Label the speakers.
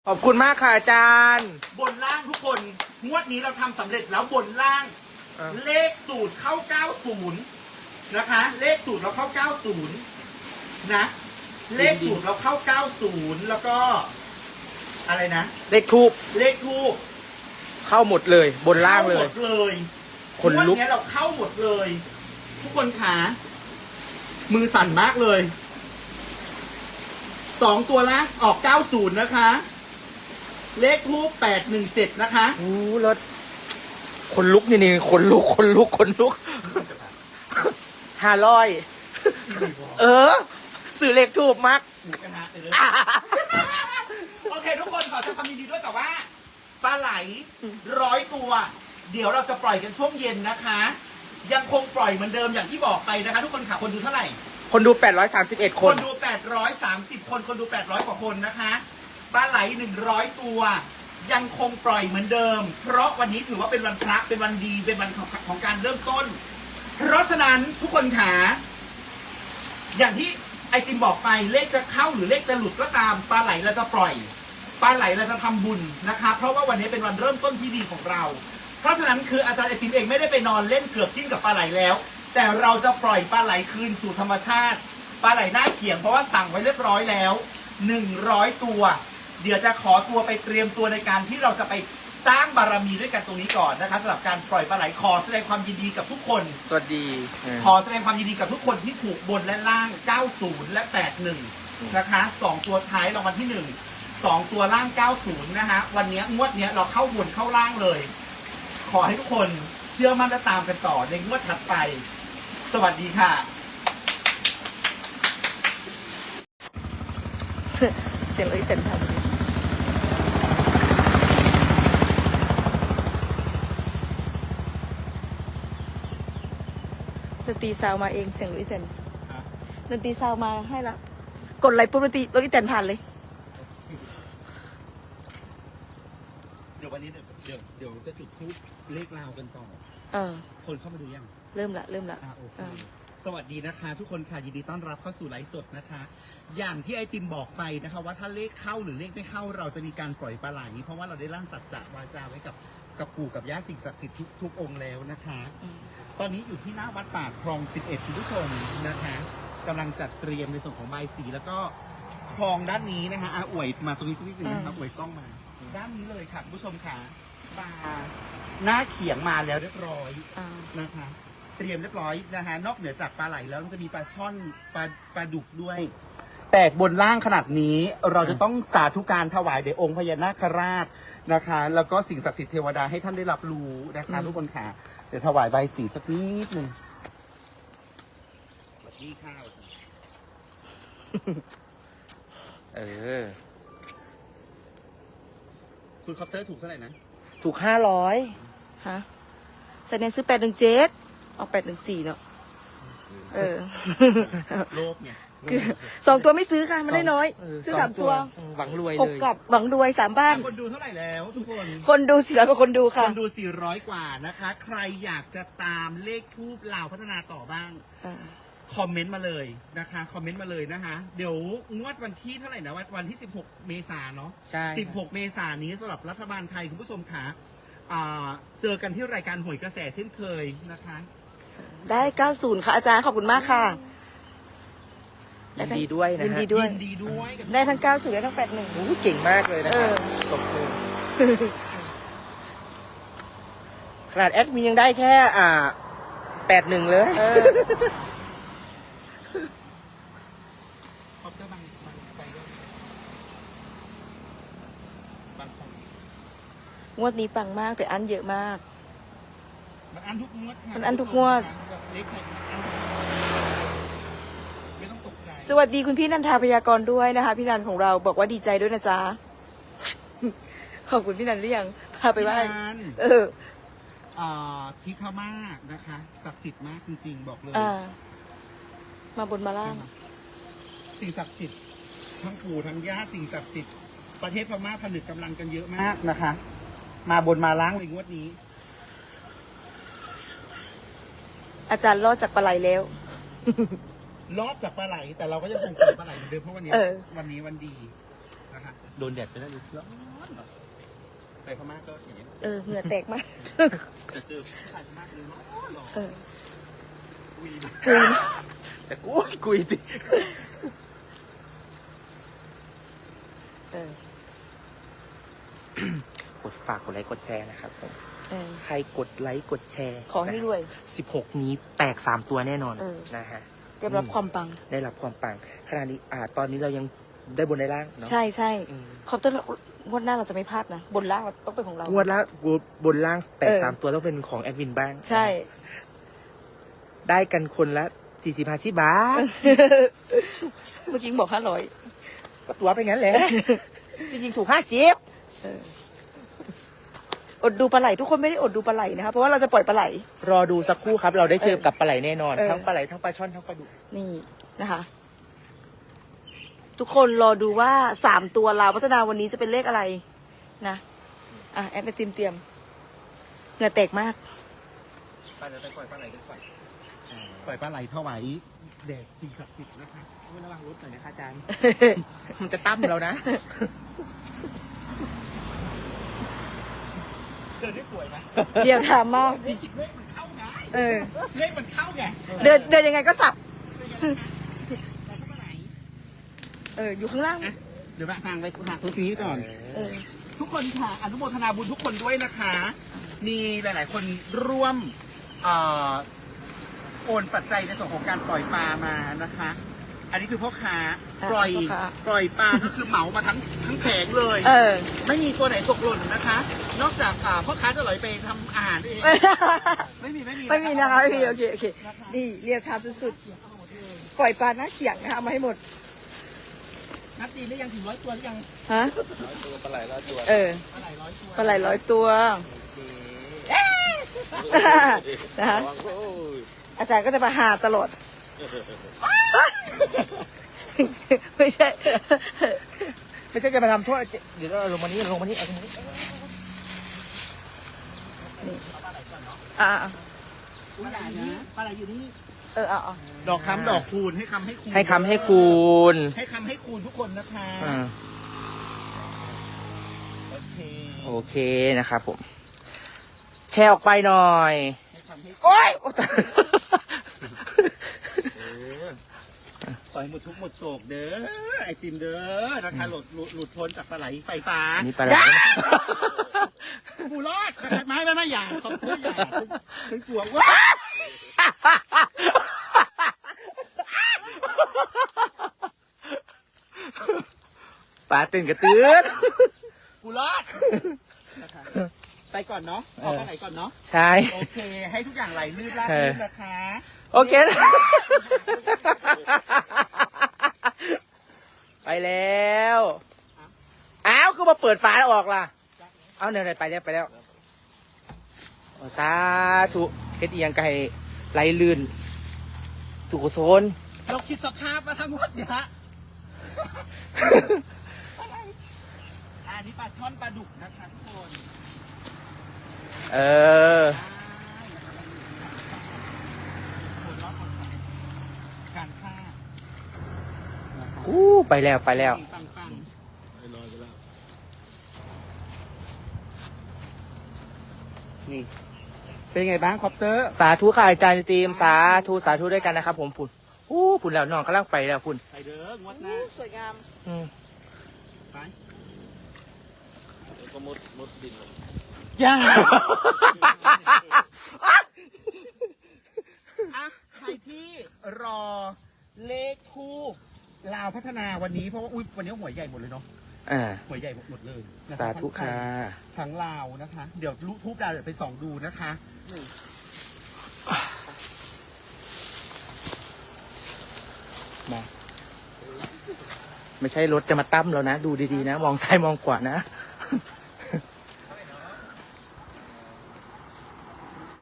Speaker 1: ขอบคุณมากค่ะอาจารย์
Speaker 2: บนล่างทุกคนงวดนี้เราทำสำเร็จแล้วบนล่าง เลขสูตรเข้า 90 นะคะ เลขสูตรเราเข้า 90 นะ เลขสูตรเราเข้า 90 แล้วก็อะไรนะ
Speaker 1: เลขทูบ
Speaker 2: เลขทูบ
Speaker 1: เข้าหมดเลยบนล่างเล
Speaker 2: เข้าหม
Speaker 1: ย
Speaker 2: ดเลย
Speaker 1: คนลุก
Speaker 2: งวดนี้เราเข้าหมดเลย ทุกคนขามือสั่นมากเลย2ตัวล่างออก 90 นะคะ เลขทูบ817 นะคะ
Speaker 1: โอ้รถคนลุกนี่คนลุก500สื่อเลขทูบมัก
Speaker 2: โอเคทุกคนขอแสดงความยินดีด้วยแต่ว่าปลาไหล100 ตัว เดี๋ยวเราจะปล่อยกันช่วงเย็นนะคะ ยังคงปล่อยเหมือนเดิมอย่างที่บอกไปนะคะ ทุกคนค่ะคนดูเท่าไหร่
Speaker 1: คนดู831 ค
Speaker 2: คน นดู830 คนคนดู800 กว่าคนนะคะปลาไหล100 ตัว ยังคงปล่อยเหมือนเดิม เพราะวันนี้ถือว่าเป็นวันพระเป็นวันดีเป็นวันของการเริ่มต้น เพราะฉะนั้นทุกคนขาอย่างที่ไอติมบอกไปเลขจะเข้าหรือเลขจะหลุดก็ตามปลาไหลเราจะปล่อยปลาไหลเราจะทำบุญนะคะเพราะว่าวันนี้เป็นวันเริ่มต้นที่ดีของเรา เพราะฉะนั้นคืออาจารย์ไอติมเองไม่ได้ไปนอนเล่นเกือบทิ้งกับปลาไหลแล้ว แต่เราจะปล่อยปลาไหลคืนสู่ธรรมชาติปลาไหลหน้าเขียงเพราะว่าสั่งไว้เรียบร้อยแล้ว100 ตัว เดี๋ยวจะขอตัวไปเตรียมตัวในการที่เราจะไปสร้างบารมีด้วยกันตรงนี้ก่อนนะคะสำหรับการปล่อยปลาไหลขอแสดงความยินดีกับทุกคน
Speaker 1: สวัสดี
Speaker 2: ขอแสดงความยินดีกับทุกคนที่ถูกบนและล่าง 90 และ 81 นะคะ 2 ตัวท้ายรางวัลที่ 1 2 ตัวล่าง 90 นะคะ วันนี้งวดนี้เราเข้าบนเข้าล่างเลย ขอให้ทุกคนเชื่อมั่นและตามกันต่อในงวดถัดไป สวัสดีค่ะ
Speaker 3: เสียงเต็มทันดนตรีซาวมาเองเสียงลุยเต็นดนตรีซาวมาให้ละกดไลค์ปุ๊บดนตรีลุยเต็นผ่านเลย
Speaker 2: เดี๋ยววันนี้เดี๋ยวจะจุดทูปเลขราวกันต่อ คนเข้ามาดูยัง
Speaker 3: เริ่มละ
Speaker 2: โอเคสวัสดีนะคะ ทุกคนค่ะยินดีต้อนรับเข้าสู่ไลฟ์สดนะคะ อย่างที่ไอติมบอกไปนะคะว่าถ้าเลขเข้าหรือเลขไม่เข้าเราจะมีการปล่อยปลาไหลเพราะว่าเราได้ร่างสัจจะวาจาไว้กับปู่กับย่าสิ่งศักดิ์สิทธิ์ทุกองค์แล้วนะคะ ตอนนี้อยู่ที่หน้าวัดป่าคลอง 11 คุณผู้ชมนะคะกำลังจัดเตรียมในส่วนของใบสีแล้วก็คลองด้านนี้นะคะอวยมาตรงนี้สักนิดนึงนะครับอวยกล้องมาด้านนี้เลยค่ะคุณผู้ชมค่ะปลาหน้าเขียงมาแล้วเรียบร้อยนะคะ เตรียมเรียบร้อยนะฮะนอกเหนือจากปลาไหลแล้วมันจะมีปลาช่อนปลาดุกด้วย แต่บนล่างขนาดนี้เราจะต้องสาธุการถวายแด่องค์พญานาคราชนะคะ แล้วก็สิ่งศักดิ์สิทธิ์เทวดาให้ท่านได้รับรู้นะคะทุกคนค่ะเดี๋ยวถวายใบสีสักนิดนึงสวัสดีข้าวคุณคอปเตอร์ถูกเท่าไหร่นะ
Speaker 1: ถูก500
Speaker 3: ฮะแสดงซื้อ817เอา814เนาะ
Speaker 2: โลภเนี่ย
Speaker 3: 2 ตัวไม่ซื้อค่ะมันได้น้อยซื้อ3 ตัว
Speaker 1: หวังรวย
Speaker 3: อก
Speaker 1: เลย
Speaker 3: กับหวังรวย3 บ้าน
Speaker 2: คนดูเท่าไหร่แล้วทุกคน
Speaker 3: คนดู400กว่าคนดู
Speaker 2: ค
Speaker 3: ค่ะ
Speaker 2: นดู 400 กว่านะคะ ใครอยากจะตามเลขทูปลาวพัฒนาต่อบ้าง คอมเมนต์มาเลยนะคะ คอมเมนต์มาเลยนะคะ เดี๋ยวงวดวันที่เท่าไหร่นะวันที่ 16 เมษายนเนาะ
Speaker 1: ใช่
Speaker 2: 16 เมษายนนี้สำหรับรัฐบาลไทยคุณผู้ชมค่ะเจอกันที่รายการหวยกระแสเช่นเคยนะคะ
Speaker 3: ได้90ค่ะอาจารย์ขอบคุณมากค่ะ
Speaker 1: ยินดีด้วยนะ
Speaker 3: ยิน
Speaker 1: ฮะ
Speaker 3: ดีด้วย
Speaker 2: ยินดีด้วยกับ
Speaker 3: ได้ทั้ง90ได้ทั้ง81
Speaker 1: โอ้เก่งมากเลยนะครับตบมือขนาดแอดมินยังได้แค่81เลย
Speaker 2: คอปเตอร์บางไปด้วยบางคน
Speaker 3: งวดนี้ปังมากแต่อันเยอะมาก
Speaker 2: มันอันทุกงวดค่ะ
Speaker 3: มันอั้นทุกงวด
Speaker 2: เลขไทยมันอั้นไม่ต้องตกใจ
Speaker 3: สวัสดีคุณพี่นันทาพยากรณ์ด้วยนะคะ พี่นันของเราบอกว่าดีใจด้วยนะจ๊ะ ขอบคุณพี่นันหรือยังพาไปไหว้
Speaker 2: พี่นัน ทิพม่านะคะศักดิ์สิทธิ์มากจริงๆบอกเลย
Speaker 3: มาบนมาล่าง
Speaker 2: สิ่งศักดิ์สิทธิ์ทั้งปู่ทั้งย่าสิ่งศักดิ์สิทธิ์ประเทศพม่าผนึกกำลังกันเยอะมากนะคะ มาบนมาล้างเลยงวดนี้
Speaker 3: อาจารย์รอดจากปลาไหลแล้ว
Speaker 2: รอดจากปลาไหลแต่เราก็ยังคงเจอปลาไหลเหมือนเดิมเพราะวันนี้วันดีนะคะโดนแดดไปแล้วร้อนแบบไปพม่าก็อย่างนี้
Speaker 3: เหงื่อแตกมาก
Speaker 2: จะเจอผู้ชายพม่าเลยร้อนหรอกุย
Speaker 1: แต่กุยติกดฝากกดไลค์กดแชร์นะครับผมใครกดไลค์กดแชร์
Speaker 3: ขอให้รวย
Speaker 1: 16 นี้แตก3 ตัวแน่นอนนะฮะ
Speaker 3: ได้รับความปัง
Speaker 1: ได้รับความปังขณะนี้ตอนนี้เรายังได้บนได้ล่างเนาะ
Speaker 3: ใช่คอปเตอร์งวดหน้าเราจะไม่พลาดนะ บนล่างเราต้องเป็นของเรา
Speaker 1: งวดละบนล่างแตก3 ตัวต้องเป็นของแอดมินบ้าง
Speaker 3: ใช่
Speaker 1: ได้กันคนละ40-50 บาท
Speaker 3: เมื่อกี้บอก500
Speaker 1: ก็ตัวไปงั้นแหละ จริงๆถูก50
Speaker 3: อดดูปลาไหลทุกคนไม่ได้อดดูปลาไหลนะคะเพราะว่าเราจะปล่อยปลาไหล
Speaker 1: รอดูสักครู่ครับ เราได้เจอกับปลาไหลแน่นอน ทั้งปลาไหลทั้งปลาช่อนทั้งปลาดุก
Speaker 3: นี่นะคะ ทุกคนรอดูว่า3 ตัวลาวพัฒนาวันนี้จะเป็นเลขอะไรนะแอดไปเตรียมเหงื่อแตกมาก
Speaker 2: ไปเดี๋ยวไปปล่อยปลาไหลดีกว่าปล่อยปลาไหลถวายแดดสิ่งศักดิ์สิทธิ์นะคะ
Speaker 1: ระวังรถหน่อยนะคะอาจารย์ มันจะตั้มเรานะ
Speaker 2: เดินได้สวยไหม
Speaker 3: เดี๋ยวถามมาก
Speaker 2: จริงๆเลขมันเข้าไง เลขมันเข้าไง
Speaker 3: เดินยังไงก็สับ
Speaker 2: แต่เข้ามาไหน
Speaker 3: อยู่ข้างล่าง
Speaker 2: เดี๋ยวฟังไปฝากตัวนี้ก่อน ทุกคนค่ะ อนุโมทนาบุญทุกคนด้วยนะคะ มีหลาย ๆ คนร่วมโอนปัจจัยในส่วนของการปล่อยปลามานะคะ อันนี้คือพ่อค้าปล่อยปลาก็คือเหมามาทั้งแผงเลย ไม่มีตัวไหนตกหล่นนะคะ นอกจากพ่อค้าจะไหลไปทำอาหารเอง ไม่มีนะคะไม่มี
Speaker 3: โอเคนี่เรียบทามสุดๆปล่อยปลาหน้าเขียงนะคะเอามาให้หมด
Speaker 2: นับดีหรือยังถึง100 ตัวหรือยัง
Speaker 3: ฮะ
Speaker 1: ปลาไหล100 ตัว
Speaker 3: ปลาไหล100 ตัวนะคะอาจารย์ก็จะมาหาตลอด ไม่ใช่
Speaker 1: ไม่ใช่จะมาทำโทษเดี๋ยวเราลงมานี้เอาตรงนี้
Speaker 2: ตัวใหญ่นะปลาไหลอยู่นี่ ดอกคำดอกคูณให้คำให้คูณ
Speaker 1: ให้คำให้คูณ
Speaker 2: ให้คำให้คูณทุกคนนะคะ
Speaker 1: โอเคนะครับผม แชร์ออกไปหน่อย
Speaker 2: ให้คำให้
Speaker 1: โอ๊ย
Speaker 2: ปล่อยหมดทุกข์หมดโศกเด้อไอติมเด้อนะคะหลุดพ้นจากปลาไหลไฟฟ้า
Speaker 1: อันนี้ปลาไหล
Speaker 2: กูรอดไม่อย่าขอบคุณอย่าฉันกลัวว่า
Speaker 1: ปลาตื่นกระตื้น
Speaker 2: กูรอดไปก่อนเนาะเอาปลาไหลก่อนเนาะ
Speaker 1: ใช่
Speaker 2: โอเค ให้ทุกอย่างไหลลื่นราบรื่นนะคะ
Speaker 1: โอเค ไปแล้วอ้าวคือมาเปิดฝาแล้วออกล่ะ เอาเนี่ยไปแล้วสาธุเฮ็ดอีหยังไก่ไหลลื่นสุขโซน
Speaker 2: เราคิดสภาพมาทั้งหมดเนี่ยฮะอันนี้ปลาช่อนปลาดุกนะคะทุกคน การฆ่า
Speaker 1: ไปแล้ว
Speaker 2: ปังนี่เป็นไงบ้างคอปเตอร์
Speaker 1: สาธุค่ะอาจารย์ทีมสาธุด้วยกันนะครับผมพุ่นพุ่นแล้วน้องกำลังไปแล้วพุ่น
Speaker 2: ไปเด้องวดหน้า
Speaker 3: สวยงาม
Speaker 2: ไปก็มดดินย่าใครที่รอเลขทูปลาวพัฒนาวันนี้เพราะว่าวันนี้หวยใหญ่หมดเลยเนาะหวยใหญ่หมดเลยนะคะ
Speaker 1: สาธุค่ะ
Speaker 2: ทั้งลาวนะคะ เดี๋ยวทูปดาวเดี๋ยวไปส่องดูนะคะ
Speaker 1: มาไม่ใช่รถจะมาตั้มแล้วนะ ดูดีๆนะ มองซ้ายมองขวานะ